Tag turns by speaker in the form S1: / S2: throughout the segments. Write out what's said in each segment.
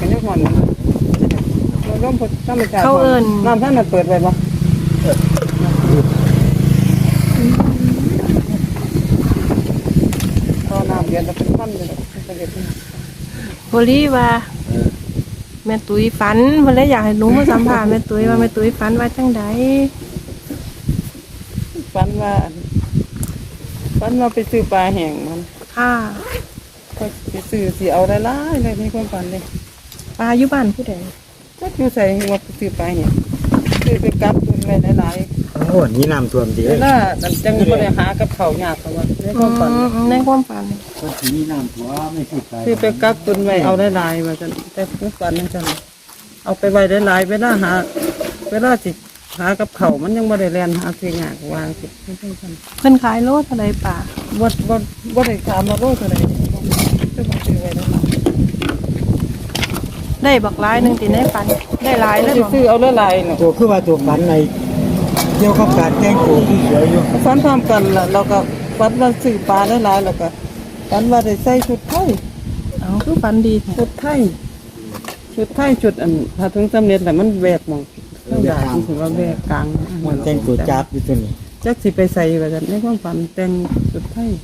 S1: กันยังหอนมันร่มธรรมชาติ
S2: เขาเอิ้น
S1: น้ำท่านน่ะเปิดไว้บ่ตอนน้ำเดือนจะเป็นพันเลยเป็นเด็ด
S2: พอลี่ว่าแม่ตุ้ยฝันเพิ่นเลยอยากให้หนูมาสัมภาษณ์แม่ตุ้ยว่าแม่ตุ้ยฝันว่าจังใด
S1: ฝันว่าไปซื้อปลาแห้งมัน
S2: ค่ะ
S1: ก็ไปซื้อสิเอาได้หลายเลยในความฝันเลย
S2: ปลาอยู่บ้านผู้ใด
S1: จักอยู่ใส่ว่าไปซื้อปลาแห้งซื้อไปกัดตุนไว้หลาย
S3: โอ้นี่น้ำท่วมดี
S1: ๆ
S3: เล
S1: เวย ลาดันจังบ่ได้หากับเขาวยากเขาว่าในความฝัน
S2: ในความฝัน
S3: ก็ทีนี้น้ำท่วมไม่สุดใจ
S1: ซื้อไปกัดตุนไว้เอาได้หลายว่าจังแต่ความฝันนั่นจังเอาไปไว้ได้หลายเวลาสิหากับเขาวมันยังบ่ได้แล่นหาซื้อยากวางสิไม่ใช่ซั่น
S2: เพิ่นขายโลเท่าใดป่า
S1: บ่ได้ถามว่าโลเท่าใดจะบ่ซื้อไว้ได้หลาย
S2: ได้บักหลายหนึงติในฝันได้หลายเลย
S1: สิ
S2: บ่
S1: ซื้อเอาหลายๆเนาะ
S3: ตัวคือว่าตัวฝันในเกี่ยวกับการแต่งตัวที่สวยอยู่
S1: ฝันพร้อมกันล่ะเราก็ฝันว่าซื้อปลาได้หลายแล้วก็ฝันว่าได้ใส่ชุดไทย
S2: เอาคือฝันดีแท้
S1: ชุดไทยชุดอันถ้าถึงสำเร็จแล้วมันแหวกหมองข้างหน้ามันถือว่าแหวกกลาง
S3: มันแต่งตัวจับอยู่ตัวนี้
S1: จักสิไปใส่ว่าซั่นในความฝันแต่งชุดไทย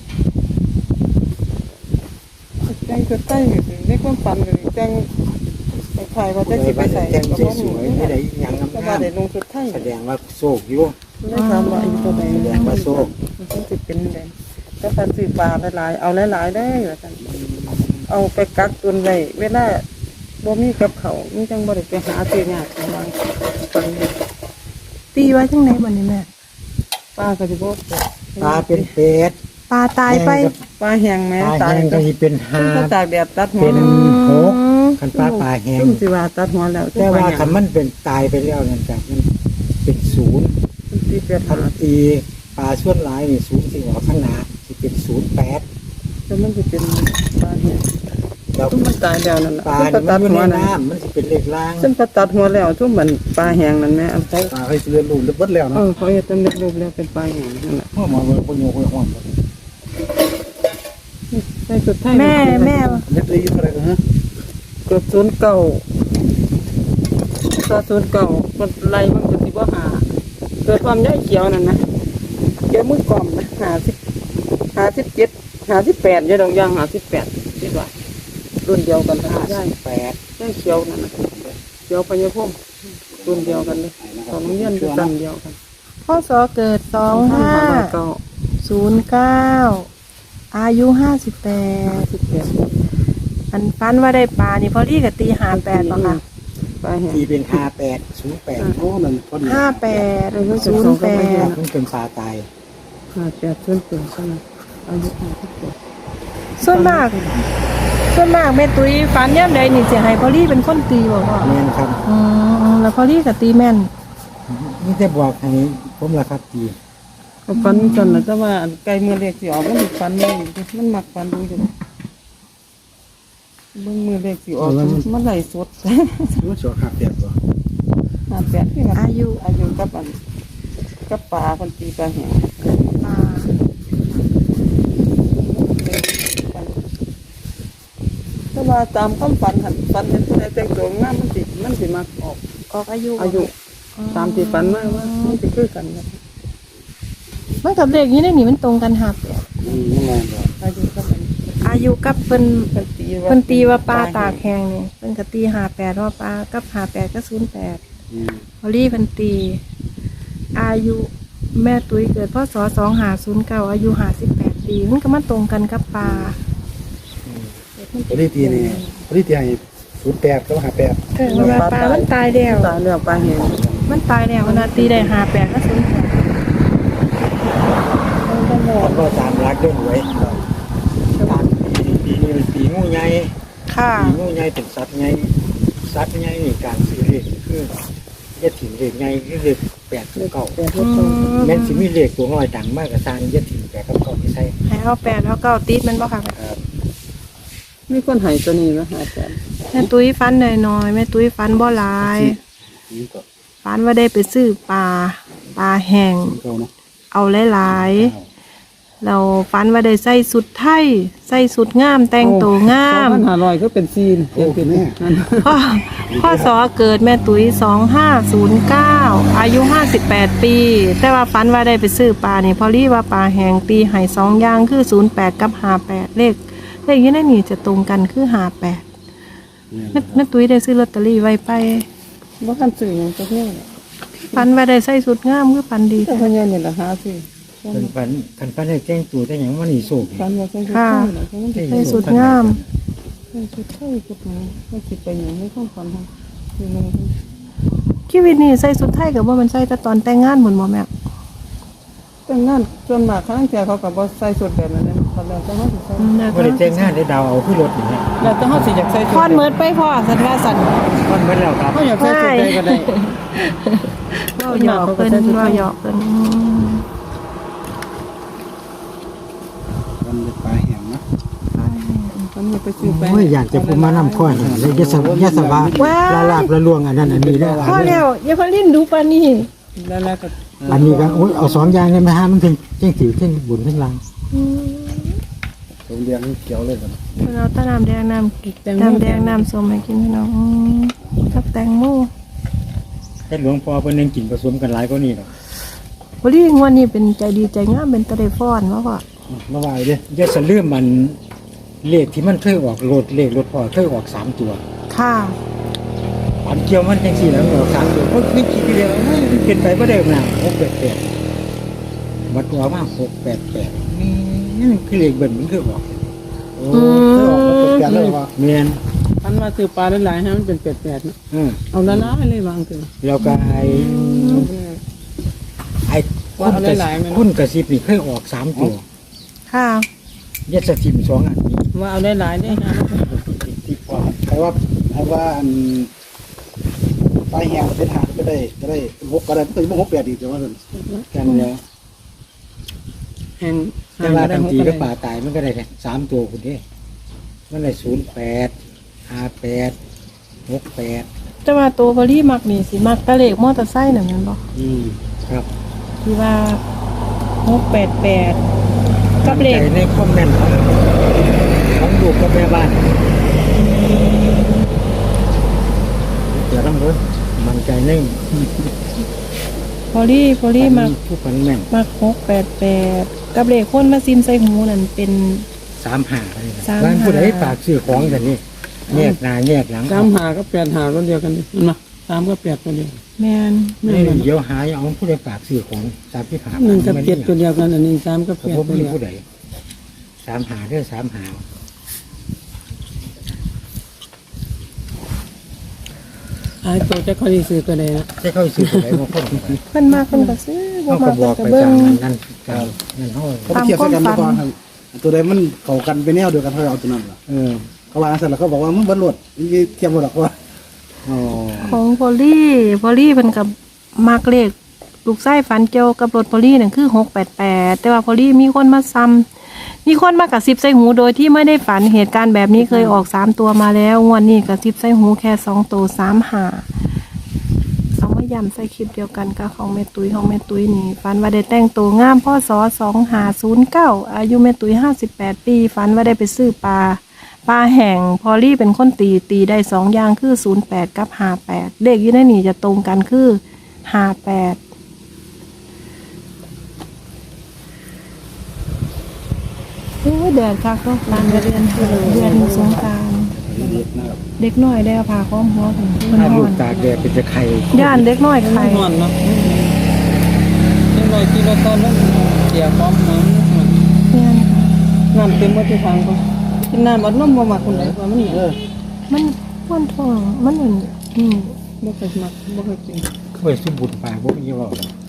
S1: ในความฝันก็แต่งคล้ายๆว่าจักสิไปใส่
S3: แต่ง
S1: ก็
S3: ส
S1: บ่
S3: วย
S1: รู้
S3: ๆไม่ได้หยัง
S1: ก็
S3: งา
S1: ว่าม ได้ลงชุดไทย
S3: แสดงว่าโศกอยู่
S1: ได้ถามว่าอีตัวใด
S3: แสดงว่าโศก
S1: มันสิเป็นไดแต่ถ้าซื้อปลาหลายๆเอาหลายๆได้ว่าซั่นเอาไปกักตุนไว้เวลาบ่มีกับเขาวมันจังบ่ได้ไปหาซื้อยากว่าฝัน
S2: ตีไว้จังไดบัดนี้แม่
S1: ปลาก็สิบ่
S3: ตาเป็นเป็ด
S2: ปลาตายไป
S1: ปลาแห้งแม่
S3: ตา
S1: ตาย
S3: แห้งก็สิเป็นหา
S1: ถ้าตากแดดตัดหัว
S3: เป็นหก
S2: อืม
S3: คันปลาปลาแห้ง
S1: ซุ่มสิว่าตัดหัวแล้ว
S3: แต่ว่าคันมันเป็นตายไปแล้วนั่นจ้ะมันเป็นศูนย์
S1: ที่เปีย
S3: คัน
S1: หา
S3: ตีปลาส่วนหลายนี่ศูนย์สิออกข้างหน้าสิเป็น08
S1: แต่มันสิเป็นปลาแห้ง
S3: แล้ว
S1: ซุ่มมันตายแล้วนั่นน่ะ
S3: ปลา
S1: ซุ่ม
S3: นี่
S1: ตั
S3: มัน
S1: ด
S3: อยู่
S1: หัว
S3: ใน
S1: นั่น
S3: น้ำมันสิเป็นเลขล่าง
S1: ซุ่มตัดหัวแล้วซุ่มมันปลาแห้งนั่นแม่เอาใส่
S3: ปลาเคยเรียนรู้เบิดแล้ว
S1: เอ
S3: เนาะ
S1: อเขาเฮ็ดตำเร็จรูปแล้วเป็นปลาแห้งนั่นน่ะ
S3: พ่อมาเบิ่งคนโยคนห้อง
S1: ใส่สุดท้าย
S2: แม่แม่
S3: เล็กๆอยู่เท่าไหร่กันฮะ
S1: เกือบ09ก็09มันไล่มันก็สิบ่หาเกิดความย้ายเขียวนั่นนะเขียวมือกล่อมนะ57 58อยู่ดอกยาง58คิดว่ารุ่นเดียวกันนะย้าย
S3: 8
S1: แค่เขียวนั่นนะเขียวพญาพุ่มรุ่นเดียวกันเลยตอนโรงเรียนอยู่กันเดียวกัน
S2: พศเกิด
S1: เก้า
S2: 2509อายุ58 อันฟันว่าได้ปลานี่พอดีกับตี58ป่ะค่ะ
S1: ปลาแห้ง
S3: ที่เป็น58 08โอ้นั่นพอดี
S2: 58
S3: มัน
S2: 08
S3: เป็นปลาตาย
S1: 58ส่วนตัวใช่ไหมอายุ58
S2: ส่วนมากแม่ตุ้ยฟันย่ำใดนี่สิให้พอดีเป็นคนตีบ่พ่อ
S3: แม่นครับ
S2: แล้วพอดีกับตีแม่น
S3: นี่จะบอกให้ผมล่ะครับตี
S1: ก็ฟันจนแล้วแต่ว่าไก่เมื่อเล็กสิออกมันฟันเลยมันมักฟันดูอยู่เบิ่งมือเล็กสิออกมันไหลสด
S3: มันสอขาดแบบบ่
S1: 58ที่มัน
S2: อายุ
S1: กับอันกับปลาคนตีปลาแห้ง
S2: ปลา
S1: แต่ว่าตามความฝันหันฝันเห็นผู้ใดแต่งตัวงามมันสิมักออก
S2: ออกอายุ
S1: อายุตามที่ฝันว่ามันสิคือกันครับ
S2: มันกับเด็กนี้ได้นี่มันตรงกันหัก
S3: ยังไงบ่
S1: อายุกับอัน
S2: อายุกับเพิ่น
S1: เป็นตี
S2: เพิ่นตีว่าปลาตากแห้งนี่เพิ่นก็ตี58ว่าปลากับ58ก็08พอดีเพิ่นตี อายุแม่ตุ้ยเกิดพศ2509อายุ58ปีมันก็มาตรงกันกับปลา
S3: ปริตีนี่ปริตีให้08กับ58
S2: ว่าปลามันตายแล้ว
S1: ตายแล้วปลาแห้ง
S2: มันตายแล้วมันน่ะตีได้58ก็08
S3: มันก็ตามรักเด้อหวยตามปีนี้เป็นปีงูใหญ่
S2: ค่ะ
S3: ปีงูใหญ่เป็นสัตว์ใหญ่นี่การซื้อเลขคืออย่าถิ่มเลขใหญ่คือเลข8กับ9
S1: แต่ที่ต้อง
S3: แม่นสิมีเลขตัวน้อยดังมากก็สร้างอย่าถิ่ม8กับ9ที่ใส่
S2: ให้เอา8เอา9ติดมันบ่ค่ะ
S3: ครับ
S1: มีคนให้ตัวนี้นะอาจารย์
S2: แม่ตุ้ยฟันหน่อยๆแม่ตุ้ยฟันบ่หลาย
S3: นี่ก็
S2: ฟันว่าได้ไปซื้อปลาแห้ง
S3: เก่าเนาะ
S2: เอาหลายๆเราฝันว่าได้ใส่สุดไทยใส่สุดงามแต่งตัวงาม
S1: 2,500ก็เป็นซีนเขียนเป็นนั่น
S2: พ่อสอเกิดแม่ตุ้ย2509อายุ58 ปี แต่ว่าฝันว่าได้ไปซื้อปลานี่พอรีว่าปลาแหงตีให้2อย่างคือ08กับ58เลขอยู่ในนี่จะตรงกันคือ58แม่ตุ้ยได้ซื้อลอตเตอรี่ไว้ไป
S1: บ่คันซื้อหยังจักแน่แหละ
S2: ฝันว่าได้ใส่สุดงามคือฝันดี
S1: แต่เพิ่นยังนี่ล่ะหาซื้อ
S3: เป็นฝันได้แจ้งตัวแต่หยังว่านี่โศก
S1: ฝันว่าใส่ชุด
S2: ค่ะ
S1: ไทยน่ะเพราะมันสิ
S2: ใส่สุดงาม
S1: ใส่ชุดไทยกับหนูว่าสิไปหยังในความฝันของคือนึง
S2: ชีวิตนี่ใส่สุดไทยกับว่ามันใส่แต่ตอนแต่งงานหมดบ่แม่
S1: แต่งงานส่วนมากครั้งเที่ยเขาก็บ่ใส่ชุดแบบนั้นนะตอนแรกแต่เฮาสิใส่
S3: บ่ได้แจ้งงานได้ดาวเอาขึ้นรถอย่างเงี้ย
S1: แล้วแต่เฮาสิอยากใส่ชุด
S2: พอนเมิดไปพ่อสันว่าสัน
S3: มันเบิดแล้วครับ
S1: เฮาอยากใส่ชุดใดก็ได้
S2: เราหยอกเพิ่นเราหยอกเพิ่น
S4: มันเป็นปลาแห้งนะ
S1: มันอยากไปซื้อไป
S5: โอ้ยอยากจะพูดมานำข้อนี่เลยยะสวะละลาบละลวงอันนั้นอันนี้ได้อ
S2: พ่อแล้วอย่าพอลิ้นดูปานนี้
S1: แล้วก็
S5: อันนี้ก็โอ้ยเอา2อย่างเลยไหมฮะมันถึงเจ้งสิวเจ้งบุญเจ้งลาง
S4: ผมเรียงเขียวเลยกัน
S2: เพิ่นเอาแตะน้ำแดงน้ำแดงน้ำส้มให้กินพี่น้องกับแตงโม
S3: แต่หลวงพ่อเพิ่นยังกินผสมกันหลายกว่านี้หรอก
S2: บ่ลีงวดนี้เป็นใจดีใจงามเป็นตะได้ฟ้อนว่าพ่อ
S3: มาว่าเด้อย่าสะลืมมันเลขที่มันเคยออกเลขรถพ่อเคยออก3ตัว
S2: ค่ะ
S3: อันเกี่ยวมันจังซี่แล้วมันออก3ตัวไม่คิดเดียวมันเป็นไปบ่ได้หน้า688บัดออกมา688นี่คือเลขเบิ่นมันคือออก
S4: โอ้เคยออกมาเป็นกันเลยว่า
S3: แม่น
S1: อันว่าซื้อปลาหลายๆให้มันเป็น8ๆนะ เอาละลายเลยวางเถอะ
S3: แล้วก็ไอ้
S1: ว่าเอาหลายๆมัน
S3: คุณกระซิบนี่เคยออก3ตัว
S2: ค่ะ
S3: ยัดสถิม2อันนี้
S1: ว่าเอาหลายๆได้ฮะ
S4: ที่พอใครว่าอันปลาแห้งเป็นหางก็ได้หกก็ได้เป็นหกแปดอีกแต่ว่านั่น
S3: กันแล้ว
S1: แห่ง
S3: แต่ว่าทันทีก็ป่าตายมันก็ได้แค่3ตัวคุณเด้มันได้08 58 68
S2: แต่ว่าตัวพอลีมักนี่สิมักตะเลขมอเตอร์ไซค์นั่นแม่นบ่
S3: ครับ
S2: ที่ว่า688กับเลข
S3: ใจในคอมเมนต์ของลูกกับแม่บ้านเดี๋ยวต้องรู้มันใจใน
S2: พอลีมัก
S3: ผู้ฝันแม่น
S2: มัก688กับเลขคนมาซิมใส่หูนั่นเป็น
S3: 35เลยนะ
S2: 35
S3: บ้านผู้ใดฝากซื้อของกันนี่แยกหน้าแยกหลัง
S1: 3 5กับ8 5ตัวเดียวกันนี่เห็นบ่3กับ8ตัวเดียว
S2: แมน
S3: ไม่เดี๋ยวหาเอาผู้ใดฝากซื้อของ35
S1: 1กับ7ตัวเดียวกันอันนี้3กับ
S3: ผม
S1: 8ตัว
S3: มี
S1: เดียว
S3: ผู้ใด35เด้อ35
S1: ไอ้ตัวจะค่อยซื้อตัวใดนะ
S3: จะเข้าซื้อผู้ใดมาคน
S2: เพิ่นมากเพิ่นก็ซื้อบ่
S3: เขา
S2: มา
S3: ก็
S2: ก
S3: บ
S2: เพิ่
S3: อน ก
S2: ก็
S3: ไป
S2: เบิ่ง
S3: ตามนั้นนั่นเฮา
S4: เขาเทียบกันมาก่อนครับตัวใดมันเข้ากันไปแนวเดียวกันเขาเอาตัวนั้นล่ะ เขาว่าเสร็จแล้วเขาบอกว่ามึงบรรลุเทียบหมดหรอกว่า
S3: อ๋อ
S2: ของพอลี่เพิ่นก็มักเลขลูกไส้ฝันเกี่ยวกับรถพอลี่นั่นคือ688แต่ว่าพอลี่มีคนมาซ้ำมีคนมากระซิบใส่หูโดยที่ไม่ได้ฝันเหตุการณ์แบบนี้เคยออก3ตัวมาแล้วงวดนี้กระซิบใส่หูแค่2ตัว35เอามาย้ำใส่คลิปเดียวกันกับของแม่ตุ้ยนี่ฝันว่าได้แต่งตัวงามพศ2509อายุแม่ตุ้ย58 ปีฝันว่าได้ไปซื้อปลาแห่งพอลี่เป็นคนตีได้2อย่างคือ08กับ58เลขอยู่ในนี่จะตรงกันคือ58โอ้ยแดดคักเนาะลานเดือนสงกรานต์เด็กน้อยได้เอาผ้าคล้องหัวถึงเพิ่น
S3: ถ้าน
S2: อ
S3: ลู
S2: น
S3: กตากแดดเป็นจะไข่
S2: ย่านเด็กน้อยไข่
S1: นอนเนาะจังได๋ที่ว่าตอนนั้นเสียความหอม
S2: เนี่ย
S1: น้ำเต็มหมดทุกทางก็กินน้ำอัดลมบ่มักคนใดว่ามันเหนียว
S2: มันม้วนท้องมันเหมือน
S1: บ่เคยมักบ่เคยกิน
S3: เว้ยสมบูรณ์ปากบ่มีว่า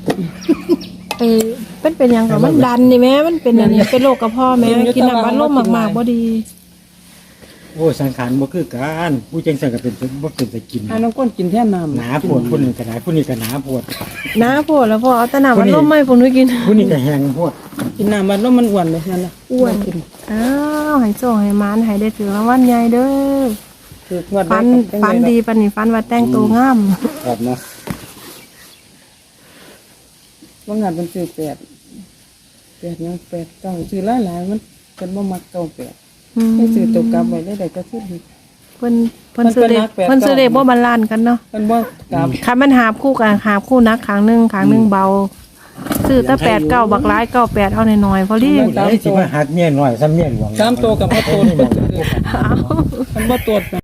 S2: เป็นหยังกับมันดันนี่แม่มันเป็นอันนี้เป็นโรคกระเพาะแม่กินน้ำอัดลมมากๆบ่ดี
S3: โอ้สังขารบ่คือกันผู้จังซั่นก็เป็นบ่เป็นแต่กิน
S1: ให้น้องก้นกินแทนน้ำ
S3: หนาปวดผู้นึงก็หนาผู้นี้ก็หนาปวด
S2: น้าโพดแล้วพอเอาแต่น้ำอัดลมไม่ผมนุ้ยกิน
S3: ผู้นี้ก็แห้งปวด
S1: กินน้ำอัดลมมันอ้วนเลยนั่นน่ะ
S2: อ้วน
S1: กิน
S2: อ้าวให้โซ่ให้มานให้ได้ถือรางวัลใหญ่เด้อ
S1: คืองวด
S2: ฟันดีปานนี้ฟันว่าแต่งตัวงาม
S4: ครับนะ
S1: ว่างานเป็นซื้อ8 8ยัง8เก้าซื้อหลายๆมันเพิ่นบ่มักเก้า8
S2: อืม
S1: ให้ซื้อตัวกลับไว้ได้ก็ซื้อดี
S2: เพิ่นซื้อเลข
S1: เพิ่นก็นักแปด
S2: เพิ่นซื้อเลขบ่บาลานซ์กันเนาะ
S1: เพิ่นบ่กลับ
S2: คันมันหาบคู่กันหาบคู่นักขางหนึงเบาซื้อแต่8 9บักหลาย9 8เอาหน่อยๆพอดี
S1: มัน
S5: ไอ้สิมาหักเมียหน่อยซ้ำเมียหลวง
S1: 3ตัวกับบ่ตัวเพิ่นซื้อมันบ่ตัว